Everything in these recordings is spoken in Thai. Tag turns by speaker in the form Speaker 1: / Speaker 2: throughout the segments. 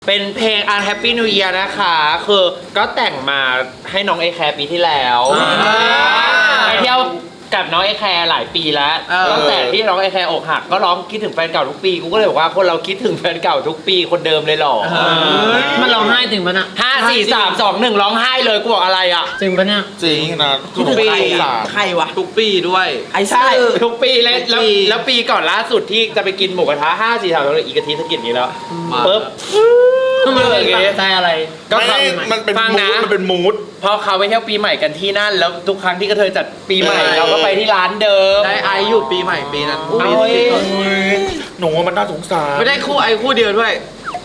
Speaker 1: เป็นเพลง Unhappy New Year นะคะคือก็แต่งมาให้น้องเอแคร์ปีที่แล้วไปเที่ยวกับน้องเอแคร์หลายปีแล้วตั้งแต่ที่น้องเอแคร์อกหักก็ร้องคิดถึงแฟนเก่าทุกปีกูก็เลยบอกว่าคนเราคิดถึงแฟนเก่าทุกปีคนเดิมเลยหรอ
Speaker 2: มันร้องไห้ถึงปะน่ะ
Speaker 1: 5 4 3 2 1ร้องไห้เลยกูบอกอะไรอ่ะ
Speaker 2: จริงปะเนี่ย
Speaker 3: จริงนะ
Speaker 1: ทุกปี
Speaker 4: ใครวะ
Speaker 3: ทุกปีด้วย
Speaker 4: ไอ้ใช่
Speaker 1: ทุกปีแล้วปีก่อนล่าสุดที่จะไปกินหมูกระทะ5 4 3 2 1อีกอาทิตย์สกิดนี้แล้วปึ๊บ
Speaker 2: มันเป็นใจอะไร
Speaker 1: ก็
Speaker 3: มันเป็นมูดมันเป็นมูด
Speaker 1: พอเขาไปเที่ยวปีใหม่กันที่นั่นแล้วทุกครั้งที่กระเทยจัดปีใหม่เราก็ไปที่ร้านเดิม
Speaker 4: ได้ไออยู่ปีใหม่ปีนั้น
Speaker 3: หนูมันน่าสงสาร
Speaker 4: ไม่ได้คู่ไอคู่เดียวด้วย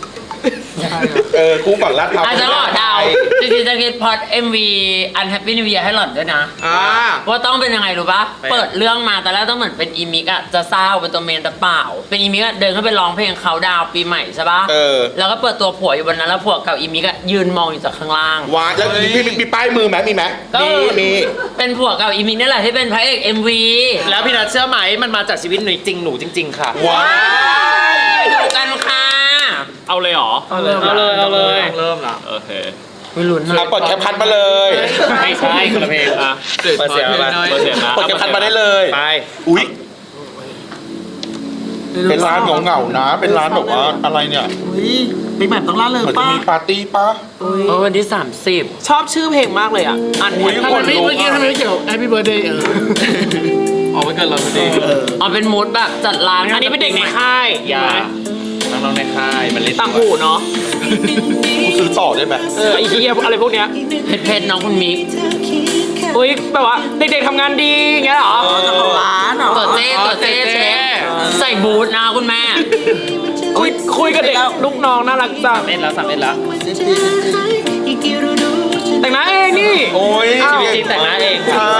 Speaker 3: คู่ก่อนลาดพร้าว
Speaker 2: อาจจะหลอดดาวจริงๆจะคิดพอด MV Unhappy New Year ให้หลอดด้วยนะว่าต้องเป็นยังไงรู้ปะเปิดเรื่องมาแต่แรกต้องเหมือนเป็นอีมิกอะจะเศร้าเป็นตัวเมนแต่เปล่าเป็นอีมิกอะเดินเข้าไปร้องเพลงเขาดาวปีใหม่ใช่ปะแล้วก็เปิดตัวผัวอยู่บนนั้นแล้วผัวกับอีมิกอะยืนมองอยู่จากข้างล่าง
Speaker 3: ว้าแล้วพี่มีป้ายมือไหมมีไหมมี
Speaker 2: เป็นผัวกับอีมิกนี่แหละที่เป็นพระเอก MV
Speaker 1: แล้วพี่นัทเชื่อไหมมันมาจากชีวิตหนูจริงค่ะ
Speaker 3: ว้าว
Speaker 2: ดูกันค่ะ
Speaker 1: เอาเลยเหรอ
Speaker 4: เอาเลยเริ่มละ
Speaker 1: โอเค
Speaker 2: ไม่ลุ้นนะ
Speaker 3: เปิดแคปพันมาเลย
Speaker 1: ไม่ใช่คนละเพลงอ่ะเปิดเสียงมาเปิด
Speaker 3: แคปพันมาได้เลย
Speaker 1: ไป
Speaker 3: อุ้ยเป็นร้านเหงาๆนะเป็นร้านแบบว่าอะไรเนี่ย
Speaker 4: ปีใหม่ต้องล่าเริง
Speaker 3: ป้ามีปาร์ตี้ป้า
Speaker 2: วันที่30
Speaker 4: ชอบชื่อเพลงมากเลยอ่ะ
Speaker 3: อันนี้
Speaker 4: ทำไมเมื่อกี้ทำไมไม่เกี่ยว Happy Birthday
Speaker 3: อ๋อไม่เกินเราพอดี
Speaker 2: เป็นมูดแบบจัดร้าน
Speaker 1: อันนี้เป็นเด็กในค่ายอย่าน้องในค่ายมันเล่น
Speaker 4: ต่างหูเนาะ
Speaker 3: กูซื้อต่อได้ไหม
Speaker 4: ไอ้เหี้ยอะไรพวกเนี้ย
Speaker 2: เพชรน้องคุณมิก
Speaker 4: อุ้ยแบบว่าเด็กๆทำงานดีอย่างเงี้ยเหรอจะของร้านเหรอ
Speaker 2: ตัวเจ๊เช็คใส่บูทนะคุณแม่
Speaker 4: คุยกับเด็กลูกน้องน่ารักจัง
Speaker 1: เล่นแล้วสั่งเล่นแล้ว
Speaker 4: แต่งหน้าเองนี่
Speaker 3: โอ้ย
Speaker 1: ชีวิตจริงแต่งหน้าเอง
Speaker 3: ใช่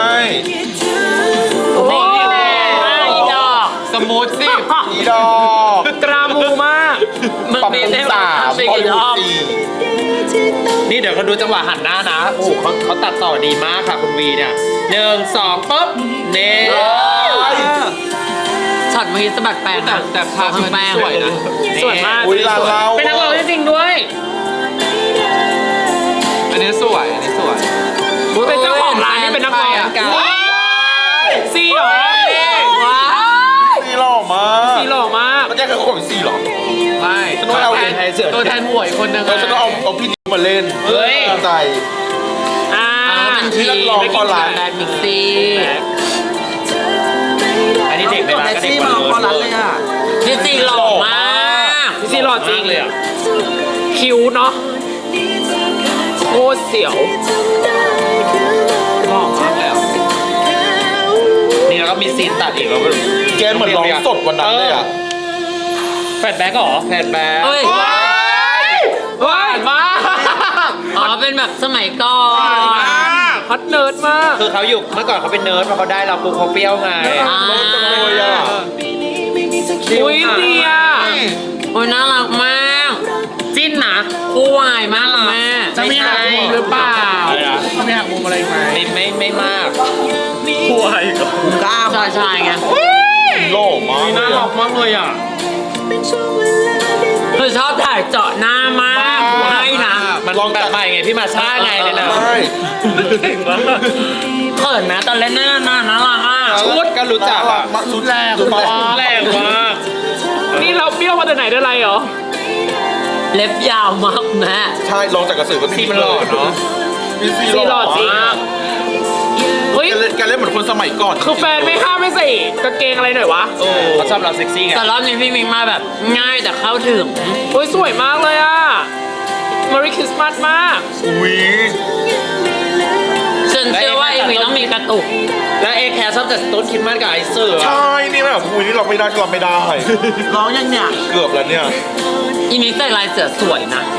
Speaker 2: นี่อีดอก
Speaker 1: สมูทสิ
Speaker 3: อีดอก
Speaker 4: กรามูมาก
Speaker 3: ปรับปรุง3พอลูก4
Speaker 1: นี่เดี๋ยวเขาดูจังหวะหันหน้านะโอ้เขาตัดต่อดีมากค่ะคุณวีเนี่ย1 2ปุ๊บเน่
Speaker 2: ช็อตมือสะบัดแป้ง
Speaker 4: แต่ภาพมันสวยนะสวยมาก
Speaker 1: เป็นนักร้องจริงๆด้วย
Speaker 4: อันนี้สวยเป็นเจ้าของร้านนี่เป็นนักร้องซีหรอ
Speaker 3: ว้าวซีหล่อมาก
Speaker 4: มัน
Speaker 3: จะคือคนซีหรอ
Speaker 4: ไม่
Speaker 3: ฉันต้องเอา
Speaker 4: ตัวแทนหวยคนหนึ่ง
Speaker 3: ฉันต้องเอาพี่ดิวมาเล่น
Speaker 1: เฮ้ย
Speaker 3: ใจ
Speaker 2: ที่นักร้องคอร้านแบดมิกซี่
Speaker 1: อันนี้เด็กในร้านก็เด็กมา
Speaker 4: คอร้านเลยอ่ะ
Speaker 2: พี่ซีหล่อมาก
Speaker 4: พี่ซีหล่อจริงเลยอ่ะคิ้วเนาะโคตรเสียวหล่อมากแล้ว
Speaker 1: นี่แล้วก็มีซีนตัดอีกแล้ว
Speaker 3: แกเหมือนร้องสดวันนั้นเลยอ่ะ
Speaker 1: แฟดแบ็กหรอแฟดแบ็ก
Speaker 4: ว้ายมาก
Speaker 2: เป็นแบบสมัยก่อน
Speaker 4: ฮอตเนิร์ดมาก
Speaker 1: คือเขาอยู่เมื่อก่อนเขาเป็นเนิร์ดพอเขาได้เราปุ๊บเขาเปรี้ยวไง
Speaker 4: อุ้ยดีอ่ะ
Speaker 2: โอ้ยน่ารักมาก
Speaker 1: จิ้นนะ
Speaker 2: คู่วายมากแม่
Speaker 4: จะมีหักมุมหรือเปล่าจะมีหักมุมอะไรไหม
Speaker 1: ไม่มากคู่วายกับ
Speaker 4: กล้าม
Speaker 2: ชายไง
Speaker 3: โล่มาก
Speaker 4: น่ารักมากเลยอ่ะ
Speaker 2: คือชอบถ่ายเจาะหน้ามากให้นะ
Speaker 1: มันลองแบบใหม่ไงพี่มาช่าไงเลยนะ
Speaker 2: เขินนะตอนเล่นน่ารักอ่ะ
Speaker 1: ชุดก็รู้จักอ่ะ
Speaker 3: ชุดแรง
Speaker 1: มาก
Speaker 4: นี่เราเปรี้ยวมาแต่ไหนได้ไรเหรอ
Speaker 2: เล็บยาวมากแม่
Speaker 3: ใช่ลองจากกระสือก็
Speaker 1: พี่มันหล่อเนาะ
Speaker 4: พี่หล่อจริง
Speaker 3: เฮ้ยการเล่นเหมือนคนสมัยก่อน
Speaker 4: คือแฟนไม่ห้ามไม่ใส่กางเกงอะไรหน่อยวะ
Speaker 1: เขาชอบเราเซ็กซี่ไง
Speaker 2: แต่รอบนี้พี่มิงมาแบบง่ายแต่เข้าถึง
Speaker 4: โอ้ยสวยมากเลยอ่ะ Merry Christmas มาก
Speaker 3: อุ้ย
Speaker 2: ฉันเชื่อว่าเอมี่ต้องมีกระตุก
Speaker 1: และเอแคร์ชอบจัดต้นคิดมากกับไอเซอร์
Speaker 3: ใช่นี่แบบอุ้ยนี่เราไม่ได้
Speaker 4: ร้องยังเนี่ย
Speaker 3: เกือบแล้วเนี่ย
Speaker 2: อีมิกใส่ลายเสือสวยนะ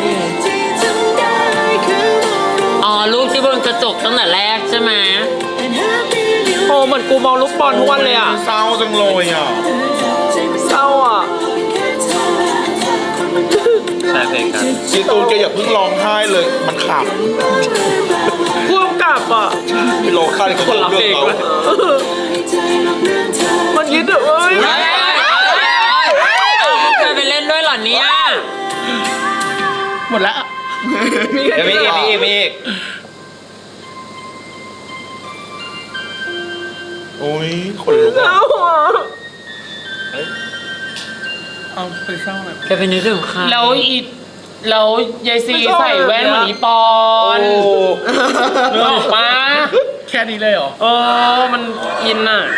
Speaker 2: ลูกที่บนกระจกตั้งแต่แรกใช่ไหม
Speaker 4: โอ้เหมือนกูมองลูกบอลทุกวันเลยอ่ะ
Speaker 3: เศร้าจังเลยอ่ะ
Speaker 4: เศร้าอ่ะ
Speaker 1: ใช่เพลงกัน
Speaker 3: จีตูนแกอย่าเพิ่งร้องไห้เลยมันข
Speaker 4: ำพ่วงกลับอ่ะ
Speaker 3: พี่โลค่าที่เขาเลือกเรา
Speaker 4: มันคิดเอ้ย
Speaker 2: ไปเล่นด้วยเหรอเนี่ย
Speaker 4: หมดแล้ว
Speaker 1: เดี๋ยวมีอีก
Speaker 3: โอ้ยคนลุกอ่ะ
Speaker 4: เอาไปเศร้าหน่อย
Speaker 2: แกเป็นนึกถึงใคร
Speaker 4: แล้วยายซีใส่แว่นเหมือนอีปอนนึกออกปะแค่นี้เลยเหรอ มันอินอ่ะ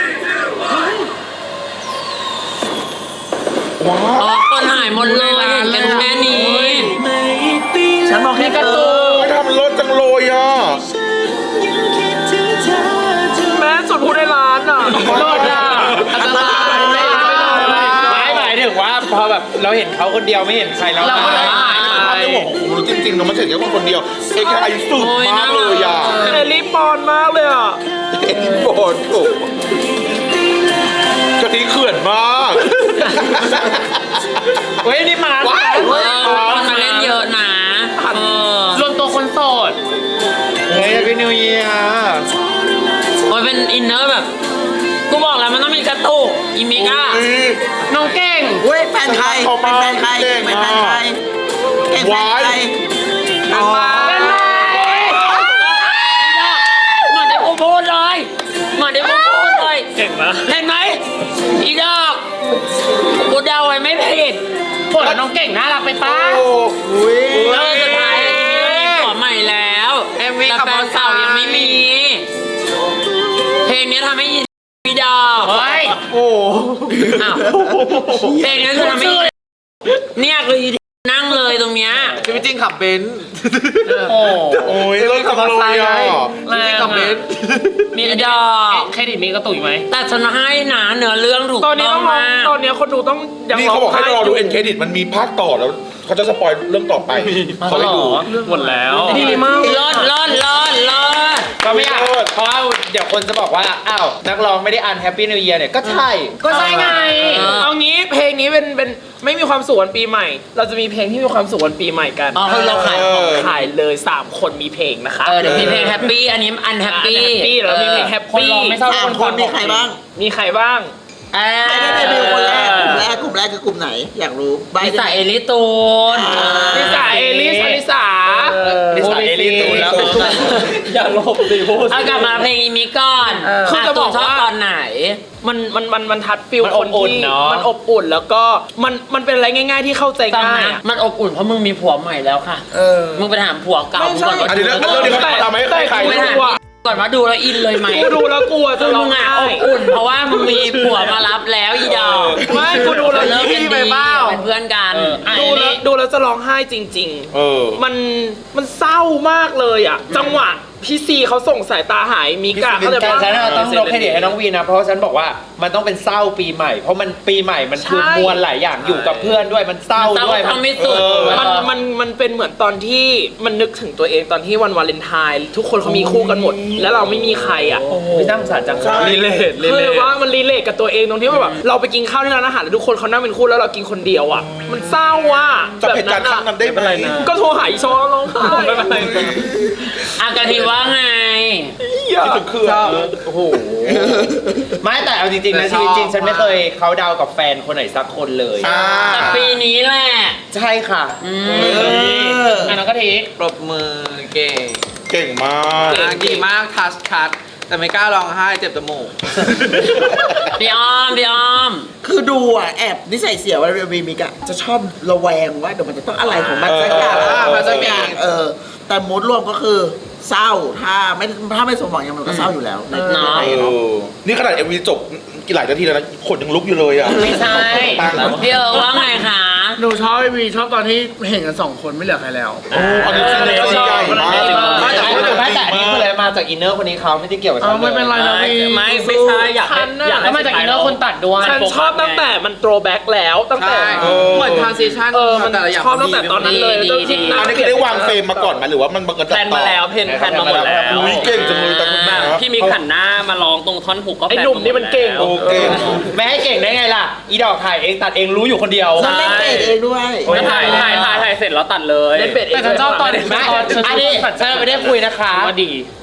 Speaker 3: ว้า
Speaker 2: อ๋อคนหายหมดเลยเห็นกันแค่นี้
Speaker 4: ฉันมองแค่การ์ตูน
Speaker 3: ไม่ทำรถจังเลยอ่ะ
Speaker 4: แม่สุดพูดในร้านอ่ะรอดอ่ะอันตรายไม่
Speaker 1: หมายถึงว่าพอแบบเราเห็นเขาคนเดียวไม่เห็นใครแล้ว
Speaker 4: เราก็เลยหาย
Speaker 3: ภาพในหัวของผมรู้จริงๆนะมันถึงแค่คนเดียวเอ็กไอสุดมากเลยอ่ะ
Speaker 4: เอลลี่ปอนมากเลยอ่ะ
Speaker 3: โอ้โหกะทิเขื่อนมาก
Speaker 1: เฮ้ยนี่มา
Speaker 3: ว้าย
Speaker 2: คนมาเล่นเยอะนะเออ
Speaker 4: รวมตัวคนโสด
Speaker 1: เฮ้ยพี่นิวเยียร์
Speaker 2: โอ้ยเป็นอินเนอร์แบบ กูบอกแล้วมันต้องมีกระตุกอีมิก้า
Speaker 4: น้องเก่ง
Speaker 5: เว้ยแฟนใครเป็นแฟนใครเป็นแฟนใครเก่งแฟนใครอ๋อ
Speaker 2: เหมือนที่กูพูดเลยเหมือนที่กูพูดเลย
Speaker 4: เก่งนะ
Speaker 2: เห็นไหมอีดอกกูเดาไว้ไม่ผิด
Speaker 4: ผลน้องเก่งน่ารักไปป้า
Speaker 2: แล้วสุดท้ายอีมิก็มีผัวใหม่แล้วแต่แฟนเก่ายังไม่มี เพลงนี้ทำให้อีดอก
Speaker 4: เฮ้ย
Speaker 2: อ้าวเพลงนี้คือทำให้อีเนี่ยคืออีนั่งเลยตรงเนี้ย
Speaker 5: ชีวิตจริงขับเบนซ์
Speaker 4: โอ้
Speaker 3: โอ้ยรถขับรถไฟอ่ะ
Speaker 4: แรงขับเบนซ์
Speaker 2: มีดอก
Speaker 4: เครดิตมีกระตุยไหม
Speaker 2: แต่ฉันให้นะเนื้อเรื่องถูก
Speaker 4: ตอนนี้
Speaker 2: ต้อ
Speaker 4: ต้อง งรอ
Speaker 2: มาก
Speaker 4: ตอนนี้คนดูต้องยัง
Speaker 3: นี่เขาบอกให้รอดูเอ็นเครดิตมันมีภาคต่อแล้วเขาจะสปอยเรื่องต่อไปเขาให้ดู
Speaker 4: หมดแล้วดีมาก
Speaker 2: รอด
Speaker 1: ก็ไม่อยากเพราะว่าเดี๋ยวคนจะบอกว่าอ้าวนักร้องไม่ได้อ่านแฮปปี้นิวเยียร์เนี่ยก็ใช่
Speaker 4: ก็ใช่ไง เอางี้เพลงนี้เป็นไม่มีความสุขวันปีใหม่ เราจะมีเพลงที่มีความสุขวันปีใหม่กัน
Speaker 2: อ๋อคือเราขายของ
Speaker 4: ขายเลย3คนมีเพลงนะคะ
Speaker 2: เดี๋ยวมีเพลงแฮปปี้อันนี้อันแฮปปี้
Speaker 4: แฮปปี้แล้วมีเพลงแฮปปี้
Speaker 5: สามคนมีใครบ้าง
Speaker 4: มีใครบ้าง
Speaker 5: ใครได้เดบิวต์คนแรกกลุ่มแรกคือกลุ่มไหน อยากรู้ใบ
Speaker 2: นิสัยเอลิตูน
Speaker 4: นิสาเอลิสอลิสา
Speaker 1: นิสัยเอลิตูนแล้ว
Speaker 4: อย่าลบดิพูด
Speaker 2: เอากลับมาเพลงอีมิก่อน
Speaker 4: คือจะบอก
Speaker 2: ชอบ
Speaker 4: ว่า
Speaker 2: ตอนไหน
Speaker 4: มันทัดฟิล
Speaker 1: มัน
Speaker 4: ค
Speaker 1: อบ
Speaker 4: น
Speaker 1: อุ่น
Speaker 4: ที่
Speaker 1: เนอะ
Speaker 4: มันอบอุ่นแล้วก็มันเป็นอะไรง่าย ๆที่เข้าใจ
Speaker 2: ฟัง
Speaker 4: ง่าย
Speaker 2: นะ
Speaker 4: อะ
Speaker 2: มันอบอุ่นเพราะมึงมีผัวใหม่แล้วค่ะ มึงไปถามผัวเก่ามึงก่อนว่า
Speaker 3: อันนี้เรื่องนี้เขาทำให้ใคร
Speaker 2: มึงไปถามก่อนว่าดูแล้วอินเลยไหม
Speaker 4: กูดูแล้วกลัว
Speaker 2: คื
Speaker 4: จะ
Speaker 2: อ
Speaker 4: ร้
Speaker 2: มึ
Speaker 4: อง
Speaker 2: งอ่ะ
Speaker 4: ไห้
Speaker 2: อบอุ่น เพราะว่ามึงมีผัวมารับแล้วอีดอก
Speaker 4: ไม่กูดูแล้ว
Speaker 2: เลิกกัน
Speaker 4: ไป
Speaker 2: ดี
Speaker 4: เปล่า
Speaker 2: เป็นเพื่อนกัน
Speaker 4: ดูแล้วจะร้องไห้จริง
Speaker 3: เออ
Speaker 4: ๆ มันเศร้ามากเลยอ่ะ จังหวะพี่ซีเขาส่งสายตาหายมิกะเขาจะ
Speaker 1: แต่ฉันต้องยกเครดิตให้น้องวีนะเพราะฉันบอกว่ามันต้องเป็นเศร้าปีใหม่ เพราะมันปีใหม่มันคือมวลหลายอย่างอยู่กับเพื่อนด้วยมันเศร้าด้วย
Speaker 2: ทำไม่สุด
Speaker 4: มันเป็นเหมือนตอนที่มันนึกถึงตัวเองตอนที่วันวาเลนไทน์ทุกคนเขามีคู่กันหมด แล้วเราไม่มีใครอ่ะ
Speaker 1: ไม่น่าสงสารจัง
Speaker 4: รีเลทคือว่ามันรีเลทกับตัวเองตรงที่ว่าแบบเราไปกินข้าวที่ร้านอาหารแล้วทุกคนเขานั่งเป็นคู่แล้วเรากินคนเดียวอ่ะ มันเศร้าว่ะ
Speaker 3: จับเหตุการณ์ครั้งนั้นได้ไหม
Speaker 4: ก็โทรหาอีชอร้องไห้ไม่เป็นไร
Speaker 2: อากาทีว่าไง
Speaker 3: คิดถึงเครื่อง
Speaker 1: โอ้โหไม่แต่เอาจริงๆนะชีวิตจริงฉันไม่เคยเขาดาวกับแฟนคนไหนสักคนเลย
Speaker 2: แต่ปีนี้แหละ
Speaker 1: ใช่ค่ะ
Speaker 4: อันนั้นก็ที
Speaker 6: ปรบมือเก่ง
Speaker 3: เก่งมาก
Speaker 6: ดีมากทัชคัทแต่ไม่กล้าร้องไห้เจ็บจมูก
Speaker 2: พี่อ้อม
Speaker 5: คือดูอ่ะแอบนิสัยเสียว่าเรวีมิกอะจะชอบระแวงว่าเดี๋ยวมันจะต้องอะไรของมันสักอย่าง
Speaker 6: มันจะมี
Speaker 5: แต่มูดรวมก็คือเศร้าถ้าไม่สมหวังยังมันก็เศร้าอยู่แล้วใน
Speaker 2: เนาะ
Speaker 5: ในเนาะ
Speaker 3: นี่ขนาด MV จบกี่หลายนาทีแล้วนะขนยังลุกอยู่เลยอ่ะ
Speaker 4: ไม่ใช่
Speaker 2: พี่ว่าไงคะ
Speaker 7: หนูชอบไอวีชอบตอนที่เห็นกัน2 คนไม่เหลือใครแล้ว
Speaker 3: โอ้อันนี้จริงเลยใหญ่มาก
Speaker 1: แต่อันนี้คืออะไรมาจากอินเนอร์คนนี้เขาไม่ได้เกี่ยวกับฉัน
Speaker 7: เอาไม่เป็นไรนะพี่
Speaker 2: ไม่ใช่อยากให้
Speaker 4: แล้วมาจากอินเนอร์คนตัดด้วยฉันชอบตั้งแต่มันโตรแบ็กแล้วตั้งแต่
Speaker 6: ใช่เหมือนทรานซิชัน
Speaker 4: มัน
Speaker 6: แต่ละอย่าง
Speaker 4: ชอบตั้งแต่ตอนนั้นเลยจนคิดหน้า
Speaker 3: อันนี้คือได้วางเฟรมมาก่อนไหมหรือว่ามันบังเอิญ
Speaker 6: แพลนมาแล้วเพนแพลนมาหมดแล้ว
Speaker 3: อุ้ยเก่งจังเลยแต่คุณแม่
Speaker 6: พี่มิกหันหน้ามาร้องตรงท่อนผูกก็
Speaker 4: ไอ้หนุ่มนี่มันเก่ง
Speaker 3: โอเก่ง
Speaker 1: ไม่ให้เก่งได้ไงล่ะ อีดอกถ่ายเองตัดเองรู้อยู่คนเดียว
Speaker 5: มันเล่นเตะเองด้วย
Speaker 6: แล้วถ่ายเสร็จแล้วตัดเลย
Speaker 4: เล่นเป็ดเอง
Speaker 1: แต่ฉันชอบตอนไม่อันนี้ฉันไม่ได้คุยนะคะ
Speaker 4: ว่าดี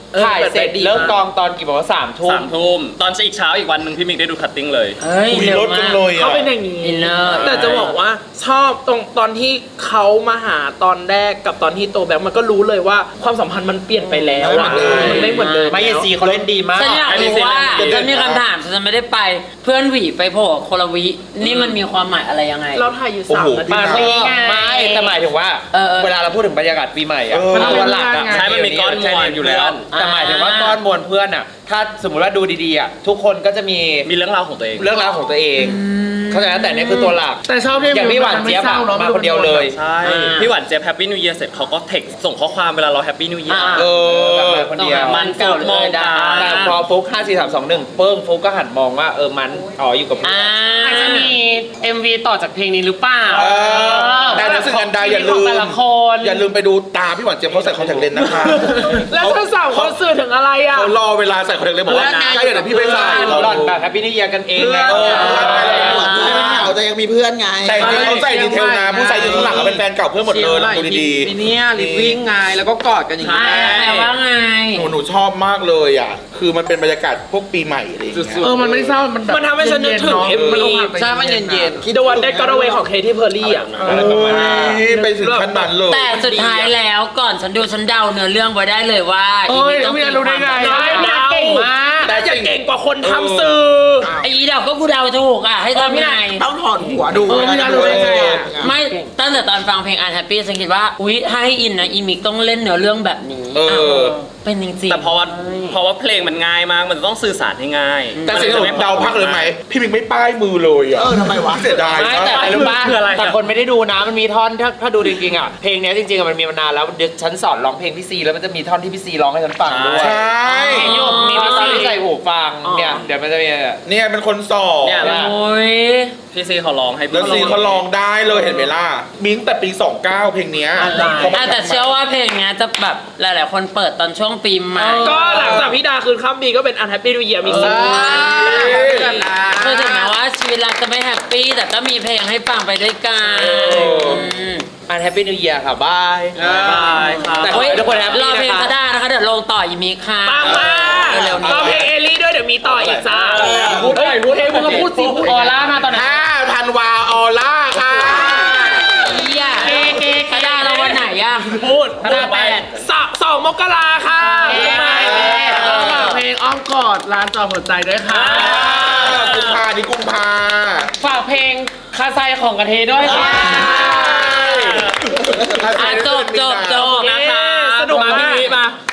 Speaker 1: ถ่ายเสร็จเลิกกองตอนกี่โมง3 ทุ่ม
Speaker 4: 3 ทุ่มตอนอีกเช้าอีกวันหนึ่งพี่มิกได้ดูคัตติ้งเลย
Speaker 2: เฮ้ย
Speaker 3: คุย
Speaker 2: เร็
Speaker 3: ร
Speaker 2: ว
Speaker 3: ถ
Speaker 2: มา
Speaker 3: จัง
Speaker 2: ก
Speaker 3: เลย
Speaker 7: เขา
Speaker 3: อ่ะ
Speaker 7: เป็นอย่างนี้
Speaker 2: อินเนอร์
Speaker 5: แต่จะบอกว่าชอบตอนที่เขามาหาตอนแรกกับตอนที่โตแบบมันก็รู้เลยว่าความสัมพันธ์มันเปลี่ยนไปแล้วอะมันไม่เหมือนเดิม
Speaker 1: ไม่เยซีเขาเล่นดีมาก
Speaker 2: ฉันอยากรู้ว่าฉันมีคำถามฉันไม่ได้ไปเพื่อนหวีไปโผล่โคลวินี่มันมีความหมายอะไรยังไง
Speaker 5: เราถ่ายอยู่
Speaker 3: โอ้
Speaker 5: 3
Speaker 3: โห
Speaker 5: นาที
Speaker 1: มาที่ไม่แต่หมายถึงว่า เวลาเราพูดถึงบรรยากาศปีใหม่อะ
Speaker 3: มัน
Speaker 1: ตัวหลักอะ
Speaker 7: ใช่
Speaker 4: มันมีก้อนมวลอยู่แล้ว
Speaker 1: แต่หมายถึงว่าก้อนมวลเพื่อนอะถ้าสมมติว่าดูดีๆอะทุกคนก็จะมี
Speaker 4: มีเรื่องราวของตัวเอง
Speaker 1: เรื่องราวของตัวเอง เข้าใจไหมแต่เนี่ยคือตัวหลัก
Speaker 7: แต่ชอบที่
Speaker 1: อย่างพี่หวานเจี๊ยบอะมาคนเดียวเลย
Speaker 4: ใช่ พี่หวานเจี๊ยบแฮปปี้นิวเยียร์เสร็จเขาก็เทคส่งข้อความเวลาเราแฮปปี้นิวเยียร์
Speaker 1: เออแบบมาคนเดียว
Speaker 2: มันเก่าเลยดา
Speaker 1: แต่พอฟุก5 4 3 2 1เปิ้งฟุกก็หันมองว่ามันอยู่กับเพื่อน
Speaker 4: อาจจะมี MV ต่อจากเพลงนี้หรือเปล่า
Speaker 3: แต่ในสิ่งอันใดอย่า
Speaker 4: ข
Speaker 3: ลื
Speaker 4: อง
Speaker 3: ม
Speaker 4: แต่ละคน
Speaker 3: อย่าลืมไปดูตาพี่หวานเจี๊ยบเขาใส่คอนแทคเลนส์นะคะ
Speaker 5: แล้วเธอสาวเขาสื่อถึงอะไรอ่ะ
Speaker 3: เขารอเวลาใส่คอนแทคเลนส์บอกว่าใช่เดี๋ยวพี่ไปใส่
Speaker 1: หล่อนแบบแฮปปี้นิวเยียร์กันเองไง
Speaker 5: ไม่เหงาแต่ยังมีเพื่อนไง
Speaker 3: แต่จริงๆเขาใส่ดีเทลนะผู้ใส่อยู่ข้างหลังเขาเป็นแฟนเก่าเพื่อนหมดเลยดูดี
Speaker 6: ปีเนี้ยลิฟวิ่งไงแล้วก็กอดกันอย่างนี้
Speaker 2: แปลว่าไง
Speaker 3: ๆหนูชอบมากเลยอ่ะคือมันเป็นบรรยากาศพวกปีใหม่อะไรอย่างเงี้ย
Speaker 7: มันไม่เศร้ามันแบบ
Speaker 5: มันทำให้ฉันนึกถึง MV
Speaker 6: ใช่มันเย็น
Speaker 5: The One That Got Away ของ Katy Perry อ่ะ
Speaker 1: อะไรประมาณนั้น
Speaker 3: ไปถึงขั้นนั้นเลย
Speaker 2: แต่สุดท้ายแล้วก่อนฉันดูฉันเดาเนื้อเรื่องไว้ได้เลยว่า
Speaker 7: เอ้ยไม่รู้ได้ไง
Speaker 5: น้อยนะเก่งมากแต่จะเก่งกว่าคนทำสื่อ
Speaker 2: ไอ้เดาก็กูเดาถูกอ่ะให้ทำยังไง
Speaker 5: ต้องถอดหัวดู
Speaker 7: ไม่รู้ได้ไง
Speaker 2: ไม่ตั้งแต่ตอนฟังเพลง Unhappy ฉันคิดว่าอุ๊ยถ้าให้อินนะอีมิกต้องเล่นเนื้อเรื่องแบบนี้
Speaker 3: เออ
Speaker 2: เป็นจริงๆ
Speaker 4: แต่เพราะว่าเพลงมันง่ายมาก มันต้องสื่อสารให้ง่าย
Speaker 3: แต่สิ่งที่ผมเดาพักเลยไหมพี่มิงไม่ป้ายมือเลยอ่ะ
Speaker 5: ทำไมวะ
Speaker 3: เสียดาย
Speaker 1: ไม่
Speaker 3: มาก
Speaker 1: แต่อะไรรู้ป่ะ
Speaker 4: คืออะไรอะ
Speaker 1: แต่คนไม่ได้ดูนะมันมีท่อนถ้าดูจริงๆอ่ะเพลงเนี้ยจริงๆอะมันมีมานานแล้วเดี๋ยวฉันสอนร้องเพลงพี่ซีแล้วมันจะมีท่อนที่พี่ซีร้องให้ฉันฟังด้วย
Speaker 3: ใช่
Speaker 1: มีพี่ซีใส่หูฟังเนี่ยเดี๋ยวมันจะมี
Speaker 3: เนี่ยเป็นคนสอน
Speaker 4: เนี่ย
Speaker 2: โอ้ย
Speaker 4: พี่ซีเขาร้องให้
Speaker 3: แล้วซีเขาลองได้เลยเห็นไหมล่ะมิ้งแต่ปี 29 เพลงเนี้ยเขาไม่
Speaker 2: แต่เชื่อว่าเพลงเนี้ยจะแบบหลายๆคนเปิดตอนช่วงปีใหม่
Speaker 5: ก็หลังจากพี่ดาคืนข้ามปีก็เป็น Unhappy New Year มีสิ
Speaker 2: คือถึงแม้ว่าชีวิตเราจะไม่แฮปปี้แต่ก็มีเพลงให้ฟังไปด้วยกัน
Speaker 1: อันแฮปปี้นิวเยียร์ค่ะบาย
Speaker 4: บายครับ
Speaker 1: แต่ขอให้ทุกคนแฮป
Speaker 2: ร
Speaker 1: ปี้
Speaker 2: อเพลง
Speaker 1: นะคะ
Speaker 2: ก็ได้นะคะเดี๋ยวลงต่ออีมิกค่ะ
Speaker 5: ปังมาก
Speaker 2: เร็วๆนี้
Speaker 5: เราเพลงเอลลี่ด้วยเดี๋ยวมีต่ออีกจ้า
Speaker 1: พูดหน่อยพูดเองมึงก็พูดสิพูด
Speaker 4: ออร่ามาตอนนั้น
Speaker 3: 5 ธันวาออล่าค่ะ
Speaker 2: เฮียกระดาเราวันไหนอะ
Speaker 4: พูด
Speaker 1: คณะแปด
Speaker 5: 2 มกราค่ะ
Speaker 7: เพลงอ้อมกอดร้านจอหัวใจด้วยค่ะ
Speaker 3: กุมภานี่กุมภา
Speaker 4: ฝากเพลงคาไซของกระเทยด้วยค่ะ
Speaker 2: จบ
Speaker 4: นะคะ
Speaker 5: สนุกมาก
Speaker 4: พี่วิมา